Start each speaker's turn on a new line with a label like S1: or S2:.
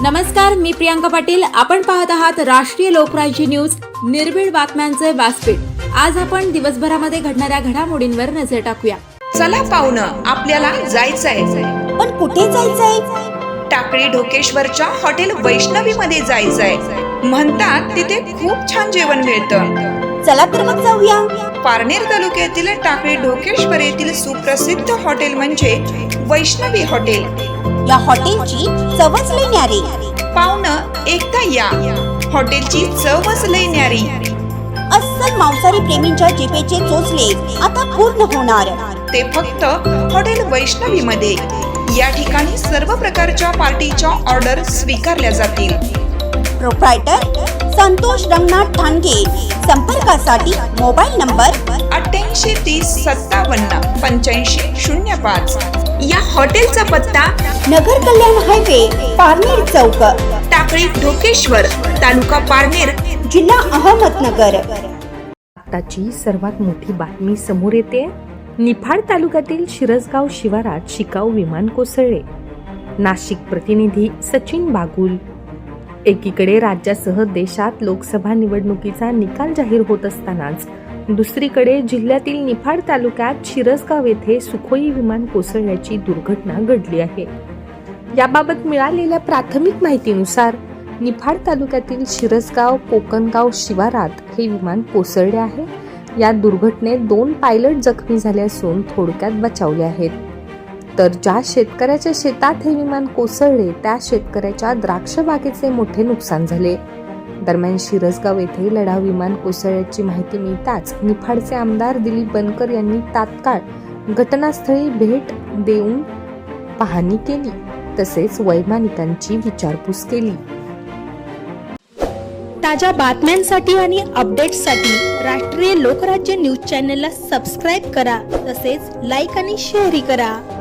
S1: नमस्कार, मी प्रियांका पाटील. आपण पाहत आहात राष्ट्रीय लोकराज्य न्यूज, निर्भीड बातम्यांचे व्यासपीठ. आज आपण दिवसभरामध्ये घडणाऱ्या घडामोडींवर नजर टाकूया.
S2: चला पाहुणं, आपल्याला जायचंय.
S3: पण कुठे जायचंय?
S2: टाकळी ढोकेश्वरच्या हॉटेल वैष्णवी मध्ये जायचंय. म्हणतात तिथे खूप छान जेवण मिळतं.
S3: चला तर मग जाऊया.
S2: पारनेर तालुक्यातील टाकळी ढोकेश्वर येथील सुप्रसिद्ध हॉटेल म्हणजे वैष्णवी हॉटेल.
S3: या हॉटेलची चवच लई न्यारी.
S2: पाहुणं, एकदा या. हॉटेलची चवच लई न्यारी.
S3: अस्सल मांसाहारी प्रेमींच्या जिभेचे चोचले आता पूर्ण होणार.
S2: ते फक्त हॉटेल वैष्णवी मध्ये. या ठिकाणी सर्व प्रकारच्या पार्टीच्या ऑर्डर स्वीकारल्या जातील.
S3: प्रोप्रायटर संतोष रंगनाथ ठाणगे. संपर्कासाठी मोबाईल नंबर
S2: 8830578505. या हॉटेलचा पत्ता
S3: नगर कल्याण हायवे, पारनेर चौक,
S2: टाकळी ढोकेश्वर, तालुका पारनेर,
S3: जिल्हा अहमदनगर.
S4: आताची सर्वात मोठी बातमी समोर येते. निफाड तालुक्यातील शिरसगाव शिवारात शिकाऊ विमान कोसळले. नाशिक प्रतिनिधी सचिन बागुल. एकीकडे राज्यासह देशात लोकसभा निवडणुकीचा निकाल जाहीर होत असतानाच दुसरीकडे जिल्ह्यातील निफाड तालुक्यात शिरसगाव येथे सुखोई विमान कोसळल्याची दुर्घटना घडली आहे. याबाबत मिळालेल्या प्राथमिक माहितीनुसार निफाड तालुक्यातील शिरसगाव कोकणगाव शिवारात हे विमान कोसळले आहे. या दुर्घटनेत 2 पायलट जखमी झाले असून थोडक्यात बचावले आहेत. तर ज्या शेतकऱ्याच्या शेतात हे विमान कोसळले त्या शेतकऱ्याच्या द्राक्ष बागेचे मोठे नुकसान झाले. दरम्यान शिरसगाव येथे लढाऊ विमान कोसळल्याची माहिती मिळताच निफाडचे आमदार दिलीप बनकर यांनी तात्काळ घटनास्थळी भेट देऊन पाहणी केली, तसेच वैमानिकांची विचारपूस केली.
S5: ताज्या बातम्यांसाठी आणि अपडेट्ससाठी राष्ट्रीय लोकराज्य न्यूज चॅनलला सबस्क्राईब करा. तसेच लाईक आणि शेअरही करा.